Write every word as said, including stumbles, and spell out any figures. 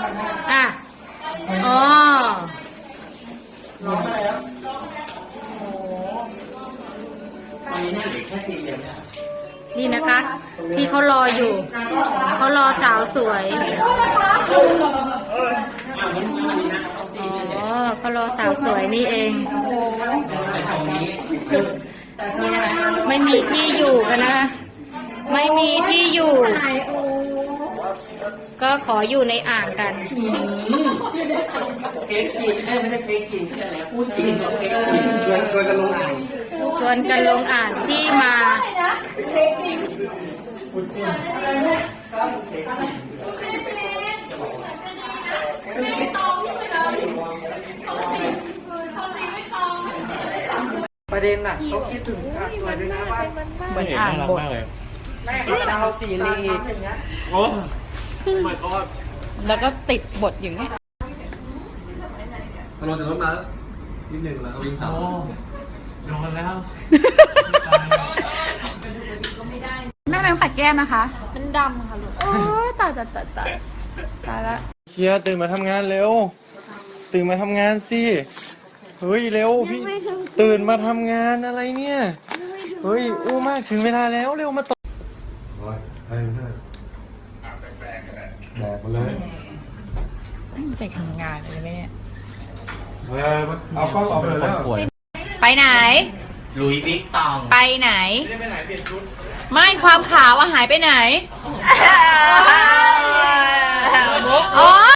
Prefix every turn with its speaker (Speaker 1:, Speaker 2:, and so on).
Speaker 1: อ่ะอ๋อ
Speaker 2: ร้องมาแล้วโอ้โหตอนนี้น่าเหลือแค่ซีนเดียวเนี่ย
Speaker 1: นี่นะคะ ที่เขารออยู่ เขารอสาวสวยอ๋อเขารอสาวสวยนี่เองนี่นะคะไม่มีที่อยู่กันนะคะไม่มีที่อยู่ ก็ขออยู่ในอ่างกัน
Speaker 2: เค้กกินไม่ได้เค้กกินแค่แล้วพูดกินเค้กกินชวนชวนกันลงอ่าง
Speaker 1: ชวนกันลงอ่างที่มา
Speaker 2: ประเด็นน่ะเขาคิดถึงอ่ะสวยด้วยนะว่าเหมือนอ่านบทแม่เขาดาวซีรีส์โอ้ my god
Speaker 3: แล้วก็ติดบทอย่างนี้
Speaker 4: พอลงจากรถมานิดหนึ่งแล้วก็วิ่งต่อ
Speaker 2: โดนแล้ว
Speaker 3: แม่แมงปัดแก้มนะคะมันดำค่ะลูกโอ้ยตายตายตายตายตายละ
Speaker 5: เชียร์ตื่นมาทำงานเร็วตื่นมาทำงานสิเฮ้ยเร็วพี่ตื่นมาทำงานอะไรเนี่ยเฮ้ยอู้มากถึงเวลาแล้วเร็วมาต่อโอ้ยใช่ใช่แบกมาเลย
Speaker 3: ตั้งใจทำงานเลยไหมเนี่ย
Speaker 5: เฮ้ยเอากล้องออกไปเลยแล้ว
Speaker 3: ไปไหน
Speaker 2: ลุยบิ๊กตอง
Speaker 3: ไปไหนไม่ความขาวอะหายไปไหนอ๋อ